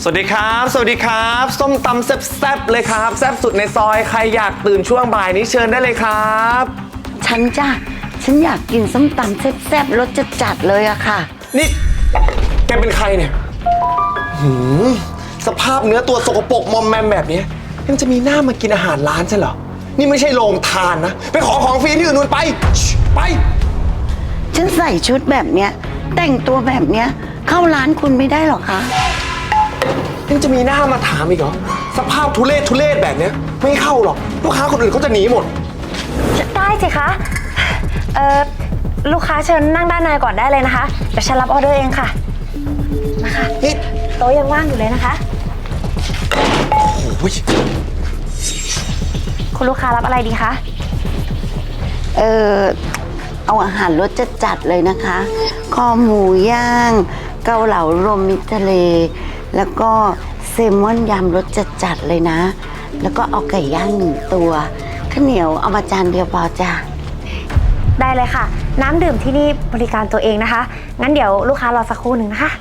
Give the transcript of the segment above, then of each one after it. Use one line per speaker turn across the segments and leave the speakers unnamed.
สวัสดีครับสวัสดีครับส้มตำแซ่บๆเลยครับแซ่บสุดในซอยใครอยากตื่นช่วงบ่ายนี้เชิญได้เลยครับ
ฉันอยากกินส้มตำแซ่บๆรสจัดๆเลยอะค่ะ
นี่แกเป็นใครเนี่ยสภาพเนื้อตัวสกปรกมอมแมมแบบนี้ยังจะมีหน้ามากินอาหารร้านใช่เหรอนี่ไม่ใช่โรงทานนะไปขอของฟรีที่อื่นนู่นไป
ฉันใส่ชุดแบบเนี้ยแต่งตัวแบบเนี้ยเข้าร้านคุณไม่ได้หรอคะ
ยังจะมีหน้ามาถามอีกเหรอสภาพทุเรศแบบเนี้ยไม่เข้าหรอกลูกค้าคนอื่นเขาจะหนีหมด
ได้สิคะลูกค้าเชิญนั่งด้านในก่อนได้เลยนะคะเดี๋ยวฉันรับออเดอร์เองค่ะนะคะโต๊ะยังว่างอยู่เลยนะคะ
โอ้ย
คุณลูกค้ารับอะไรดีคะ
เอาอาหารรสจัดๆเลยนะคะคอหมูย่างเกาเหลารวมมิตรทะเลแล้วก็เซลมอนยำรสจัดๆเลยนะแล้วก็เอาไก่ย่าง1 ตัวข้าวเหนียวเอามาจานเดียวพอจ้ะ
ได้เลยค่ะน้ำดื่มที่นี่บริการตัวเองนะคะงั้นเดี๋ยวลูกค้ารอสักครู่หนึ่งนะคะ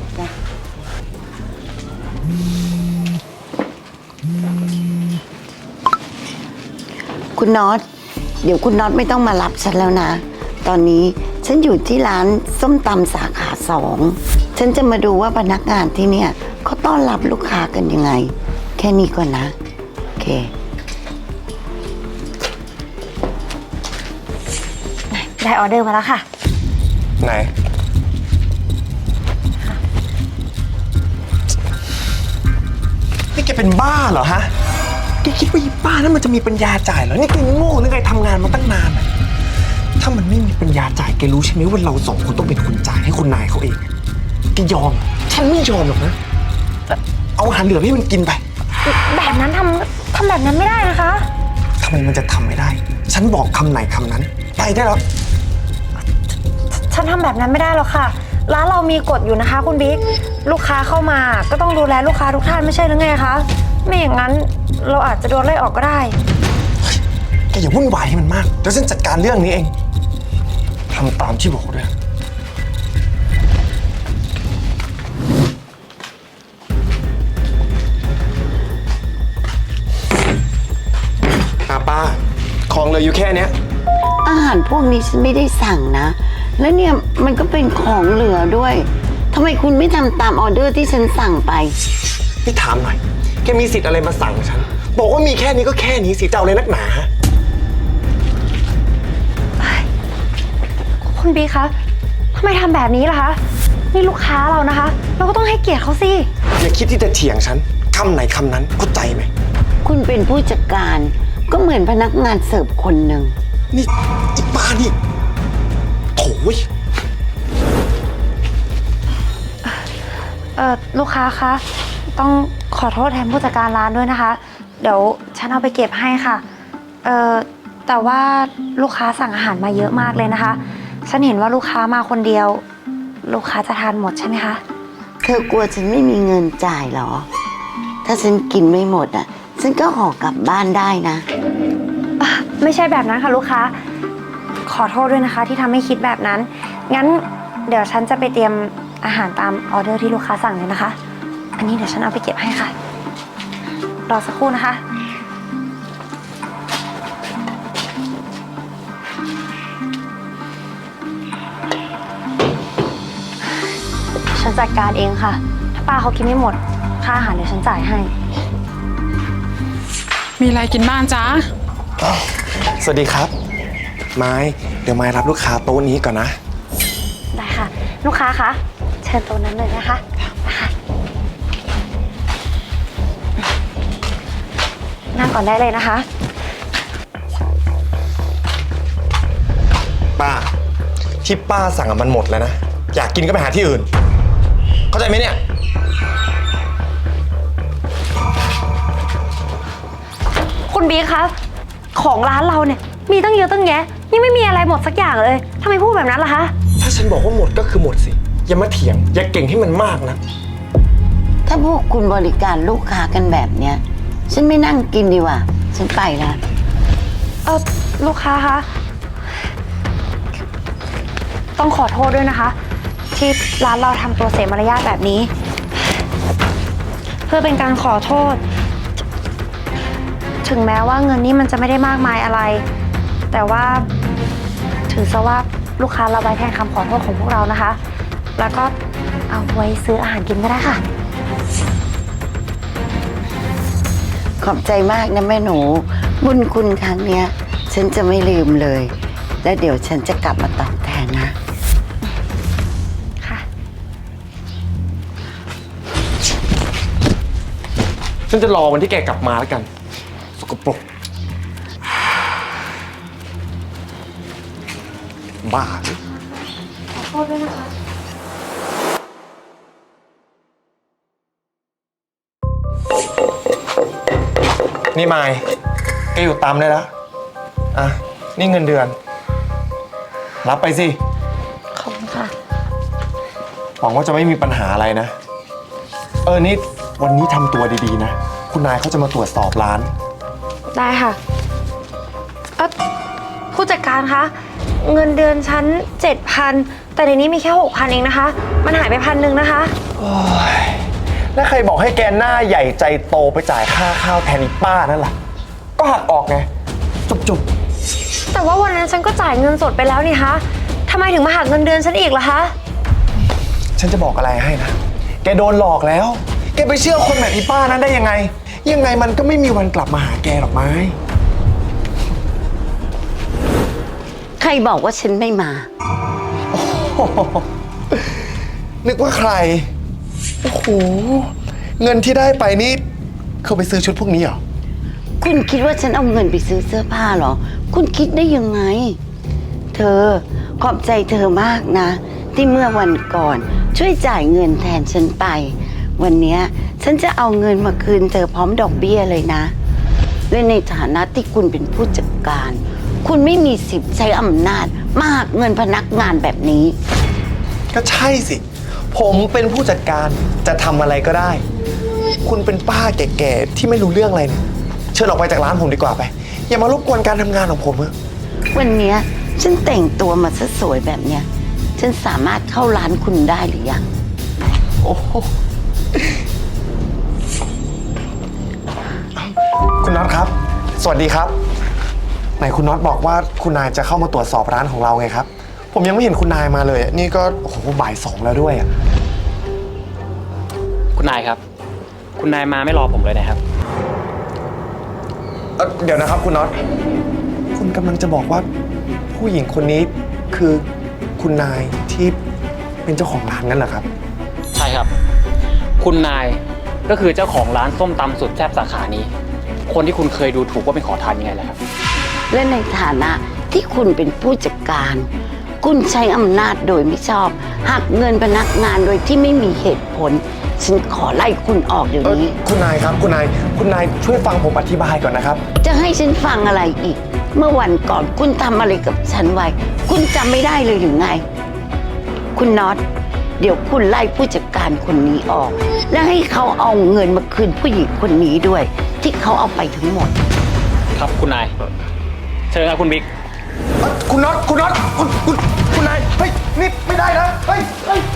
คุณน็อตเดี๋ยวคุณน็อตไม่ต้องมารับฉันแล้วนะตอนนี้ฉันอยู่ที่ร้านส้มตำสาขา2ฉันจะมาดูว่าพนักงานที่เนี่ยเขาต้อนรับลูกค้ากันยังไงแค่นี้ก่อนนะโอเค
ได้ออเดอร์มาแล้วค่ะ
ไหนนี่แกเป็นบ้าเหรอฮะแกคิดว่าอีบ้านั้นมันจะมีปัญญาจ่ายเหรอนี่แกโง่หรือไงทำงานมาตั้งนานถ้ามันไม่มีปัญญาจ่ายแกรู้ใช่ไหมว่าเรา2 คนต้องเป็นคนจ่ายให้คุณนายเขาเองแกยอมฉันไม่ยอมหรอกนะเอาอาหารเหลือให้มันกินไป
แบบนั้นทำแบบนั้นไม่ได้นะคะ
ทำไมมันจะทำไม่ได้ฉันบอกคำไหนคำนั้นไปได้แล้ว
ฉันทำแบบนั้นไม่ได้หรอกค่ะร้านเรามีกฎอยู่นะคะคุณบิ๊กลูกค้าเข้ามาก็ต้องดูแลลูกค้าทุกท่านไม่ใช่หรือไงคะไม่อย่างนั้นเราอาจจะโดนไล่ออกก็ได้
แกอย่าวุ่นวายให้มันมากเดี๋ยวฉันจัดการเรื่องนี้เองทำตามที่บอกด้วยป้าของเหลืออยู่แค่เนี้ย
อาหารพวกนี้ฉันไม่ได้สั่งนะแล้วเนี่ยมันก็เป็นของเหลือด้วยทำไมคุณไม่ทำตามออเดอร์ที่ฉันสั่งไป
พี่ถามหน่อยแกมีสิทธิ์อะไรมาสั่งฉันบอกว่ามีแค่นี้ก็แค่นี้สิเจ้าเลยนักหนา
คุณบีคะทำไมทำแบบนี้ล่ะคะนี่ลูกค้าเรานะคะเราก็ต้องให้เกียรติเขาสิ
อย่าคิดที่จะเถียงฉันคำไหนคำนั้นเข้าใจไหม
คุณเป็นผู้จัดการก็เหมือนพนักงานเสิร์ฟคนหนึ่ง
นี่อีป้านี่โถ่
ลูกค้าคะต้องขอโทษแทนผู้จัดการร้านด้วยนะคะเดี๋ยวฉันเอาไปเก็บให้ค่ะแต่ว่าลูกค้าสั่งอาหารมาเยอะมากเลยนะคะฉันเห็นว่าลูกค้ามาคนเดียวลูกค้าจะทานหมดใช่ไหมคะ
เธอกลัวฉันไม่มีเงินจ่ายเหรอถ้าฉันกินไม่หมดอ่ะฉันก็ห่อกลับบ้านได้นะ
ไม่ใช่แบบนั้นค่ะลูกค้าขอโทษด้วยนะคะที่ทำให้คิดแบบนั้นงั้นเดี๋ยวฉันจะไปเตรียมอาหารตามออเดอร์ที่ลูกค้าสั่งเลยนะคะอันนี้เดี๋ยวฉันเอาไปเก็บให้ค่ะรอสักครู่นะคะฉันจัดการเองค่ะถ้าป้าเขากินไม่หมดค่าอาหารเดี๋ยวฉันจ่ายให้
มีอะไรกินบ้างจ๊ะ
สวัสดีครับไม้เดี๋ยวไม้รับลูกค้าโต๊ะนี้ก่อนนะ
ได้ค่ะลูกค้าคะเชิญโต๊ะนั้นเลยนะคะนั่งก่อนได้เลยนะคะ
ป้าที่ป้าสั่งมันหมดแล้วนะอยากกินก็ไปหาที่อื่นเข้าใจไหมเนี่ย
คุณบีคะของร้านเราเนี่ยมีตั้งเยอะตั้งแยะยังไม่มีอะไรหมดสักอย่างเลยทำไมพูดแบบนั้นล่ะคะ
ถ้าฉันบอกว่าหมดก็คือหมดสิอย่ามาเถียงอย่าเก่งให้มันมากนะ
ถ้าพวกคุณบริการลูกค้ากันแบบเนี้ยฉันไม่นั่งกินดีกว่าฉันไปละ
ลูกค้าคะต้องขอโทษด้วยนะคะที่ร้านเราทำตัวเสียมารยาทแบบนี้เพื่อเป็นการขอโทษ ถึงแม้ว่าเงินนี้มันจะไม่ได้มากมายอะไร แต่ว่าถือซะว่าลูกค้าเราไว้แทนคำขอโทษของพวกเรานะคะ แล้วก็เอาไว้ซื้ออาหารกินก็ได้ค่ะ
ขอบใจมากนะแม่หนู บุญคุณครั้งเนี้ย ฉันจะไม่ลืมเลย และเดี๋ยวฉันจะกลับมาตอบแทนนะ
ค่ะ
ฉันจะรอวันที่แกกลับมาแล้วกัน สกปรกบ้า
ขอโทษด้วยนะคะ
นี่มายแกอยู่ตามได้แล้ว อ่ะ นี่เงินเดือน รับไปสิ
ขอบคุณค่ะ
หวังว่าจะไม่มีปัญหาอะไรนะ นี่วันนี้ทำตัวดีๆนะ คุณนายเขาจะมาตรวจสอบร้าน
ได้ค่ะ ผู้จัดการคะ เงินเดือนฉัน7,000 แต่ในนี้มีแค่6,000เองนะคะ มันหายไป1,000นะคะ
โอ้ยแล้วใครบอกให้แกหน้าใหญ่ใจโตไปจ่ายค่าข้าวแทนอีป้านั่นล่ะ ก็หักออกไง จุบ
แต่ว่าวันนั้นฉันก็จ่ายเงินสดไปแล้วนี่คะทำไมถึงมาหักเงินเดือนฉันอีกล่ะคะ
ๆฉันจะบอกอะไรให้นะ แกโดนหลอกแล้ว แกไปเชื่อคนแบบอีป้านั้นได้ยังไง ยังไงมันก็ไม่มีวันกลับมาหาแกหรอกไม้
ใครบอกว่าฉันไม่มา
นึกว่าใคร โอ้โห เงินที่ได้ไปนี่เขาไปซื้อชุดพวกนี้เหรอ
คุณคิดว่าฉันเอาเงินไปซื้อเสื้อผ้าเหรอ คุณคิดได้ยังไง เธอขอบใจเธอมากนะ ที่เมื่อวันก่อนช่วยจ่ายเงินแทนฉันไป วันเนี้ยฉันจะเอาเงินมาคืนเธอพร้อมดอกเบี้ยเลยนะและในฐานะที่คุณเป็นผู้จัดการ คุณไม่มีสิทธิ์ใช้อำนาจมาหักเงินพนักงานแบบนี้
ก็ใช่สิ ผมเป็นผู้จัดการจะทำอะไรก็ได้ คุณเป็นป้าแก่ๆที่ไม่รู้เรื่องอะไรเนี่ยเชิญออกไปจากร้านผมดีกว่าไป อย่ามารบกวนการทำงานของผมเถอะ
วันเนี้ยฉันแต่งตัวมาซะสวยแบบเนี้ยฉันสามารถเข้าร้านคุณได้หรือยัง
โอ้โหคุณน็อตครับ สวัสดีครับ ไหนคุณน็อตบอกว่าคุณนายจะเข้ามาตรวจสอบร้านของเราไงครับ ผมยังไม่เห็นคุณนายมาเลย นี่ก็โอ้โหบ่าย 2แล้วด้วยอ่ะ
คุณนายครับ คุณนายมาไม่รอผมเลยนะครับ
เดี๋ยวนะครับคุณน็อต คุณกำลังจะบอกว่าผู้หญิงคนนี้คือคุณนายที่เป็นเจ้าของร้านนั่นเหรอครับ
ใช่ครับ คุณนายก็คือเจ้าของร้านส้มตำสุดแซ่บสาขานี้ คนที่คุณเคยดูถูกว่าเป็นขอทานยังไงล่ะครับ
และในฐานะที่คุณเป็นผู้จัดการ คุณใช้อำนาจโดยไม่ชอบหักเงินพนักงานโดยที่ไม่มีเหตุผล ฉันขอไล่คุณออกเดี๋ยวนี้
คุณนายครับคุณนายช่วยฟังผมอธิบายก่อนนะครับ
จะให้ฉันฟังอะไรอีก เมื่อวันก่อนคุณทำอะไรกับฉันไว้ คุณจำไม่ได้เลยหรือไง คุณน็อต เดี๋ยวคุณไล่ผู้จัดการคนนี้ออก และให้เขาเอาเงินมาคืนผู้หญิงคนนี้ด้วย ที่เขาเอาไปทั้งหมด
ครับคุณนาย เชิญครับคุณบิ๊ก
คุณน็อตคุณนาย เฮ้ย นี่ไม่ได้นะ เฮ้ย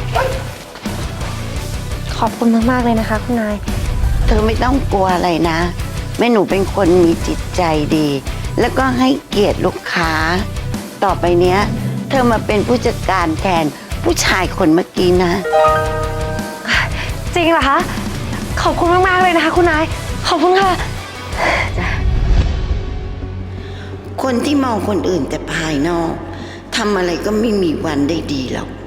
ขอบคุณมากๆเลยนะคะ คุณนาย
เธอไม่ต้องกลัวอะไรนะ แม่หนูเป็นคนมีจิตใจดี แล้วก็ให้เกียรติลูกค้า ต่อไปเนี้ย เธอมาเป็นผู้จัดการแทนผู้ชายคนเมื่อกี้นะ
จริงเหรอคะ ขอบคุณมากๆเลยนะคะ คุณนาย ขอบคุณค่ะ
คนที่มองคนอื่นแต่ภายนอกทำอะไรก็ไม่มีวันได้ดีหรอก